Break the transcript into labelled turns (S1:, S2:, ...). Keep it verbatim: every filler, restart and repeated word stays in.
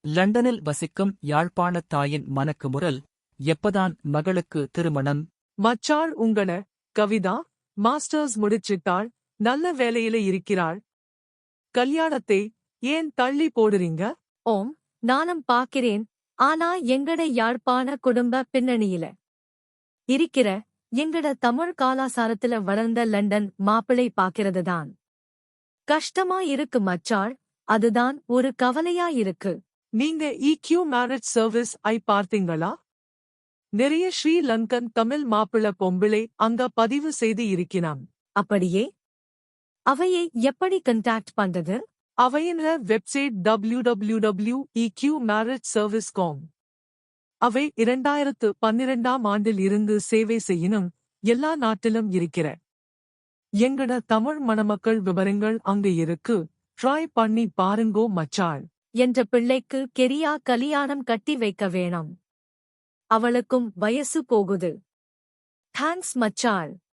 S1: லண்டனில் வசிக்கும் யாழ்ப்பாணத் தாயின் மனக்குமுறல், எப்பதான் மகளுக்கு திருமணம்?
S2: மச்சாள் உங்கள கவிதா மாஸ்டர்ஸ் முடிச்சிட்டாள், நல்ல வேலையில இருக்கிறாள். கல்யாணத்தை ஏன் தள்ளி போடுறீங்க?
S3: ஓம், நானும் பாக்கிறேன். ஆனா எங்கட யாழ்ப்பாண குடும்ப பின்னணியில இருக்கிற எங்கட தமிழ் காலாசாரத்துல வளர்ந்த லண்டன் மாப்பிளை பாக்கிறதுதான் கஷ்டமா இருக்கு மச்சாள். அதுதான் ஒரு கவலையா இருக்கு.
S2: நீங்க இக்யூ மேரேஜ் சர்வீஸ் ஐ பார்த்தீங்களா? நிறைய ஸ்ரீலங்கன் தமிழ் மாப்பிள பொம்பிளை அங்க பதிவு செய்து இருக்கிறான்.
S3: அப்படியே? அவையை எப்படி கண்டாக்ட் பண்றது?
S2: அவையின website W W W dot E Q marriage service dot com. அவை இரண்டாயிரத்து பன்னிரண்டாம் ஆண்டில் இருந்து சேவை செய்யணும் எல்லா நாட்டிலும் இருக்கிற எங்கட தமிழ் மணமக்கள் விவரங்கள் அங்க இருக்கு. ட்ரை பண்ணி பாருங்கோ மச்சாள்.
S3: என்ற பிள்ளைக்கு கெரியா கலியாணம் கட்டி வைக்க வேணும். அவளுக்கும் வயசு போகுது. தேங்க்ஸ் மச்சாள்.